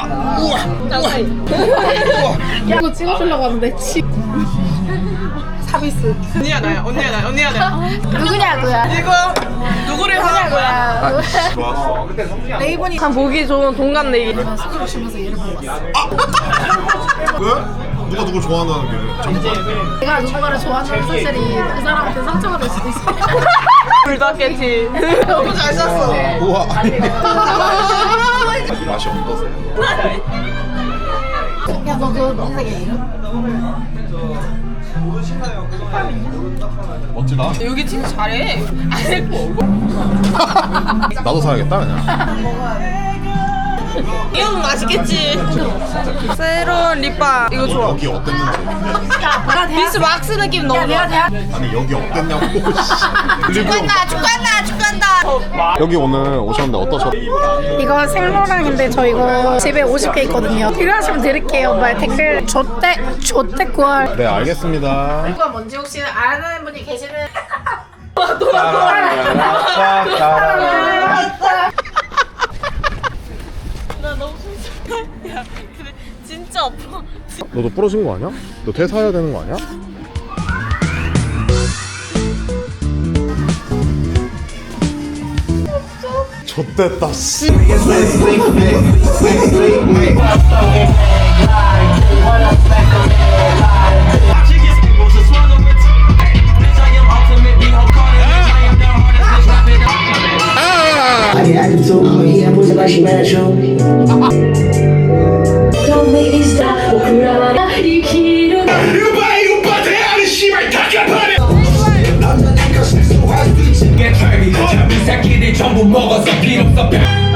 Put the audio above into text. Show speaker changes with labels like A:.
A: 우와.
B: 야, 이거 찍어주려고 하는데 서비스.
A: 언니야 나야.
B: 누구냐고요?
A: 이거 누구를 하냐고요?
C: 좋았어.
B: 레이븐이
A: 참 보기 좋은 동갑내기.
B: 스크롤 쉬면서 얘를 보고 왔어.
C: 왜? 누가 누굴 좋아한다는 게 정말.
B: 내가 누군가를 좋아하는 사실이 그 사람한테 상처가 될 수도 있어.
A: 불닭겠지. 너무 잘 쐈어.
C: 우와. 맛이 어떠세요?
B: 야, 너 그거 무슨 색이야, 이름?
C: 멋지다.
A: 여기 진짜 잘해.
C: 나도 사야겠다 그냥.
A: 이거 맛있겠지. 새로운 립밤 이거 좋아.
C: 여기 어땠는지.
A: 비스 왁스 느낌 너무 좋아.
C: 아니 여기 어땠냐고.
A: 축구한다.
C: 여기 오늘 오셨는데 어떠셨어요?
B: 이거 생로랑인데 저 이거 집에 50개 있거든요. 필요하시면 드릴게요. 말 댓글 조떼 9월.
C: 네 알겠습니다.
B: 이거 뭔지 혹시 아는 분이 계시는?
A: 나 너무 야, 근데 진짜 아파.
C: 너도 부러진 거 아니야? 너 퇴사해야 되는 거 아니야? 좆됐다 씨.
D: Yeah, música vai chegar show. Don't make me stop.
E: 전부 먹어서 필요 없어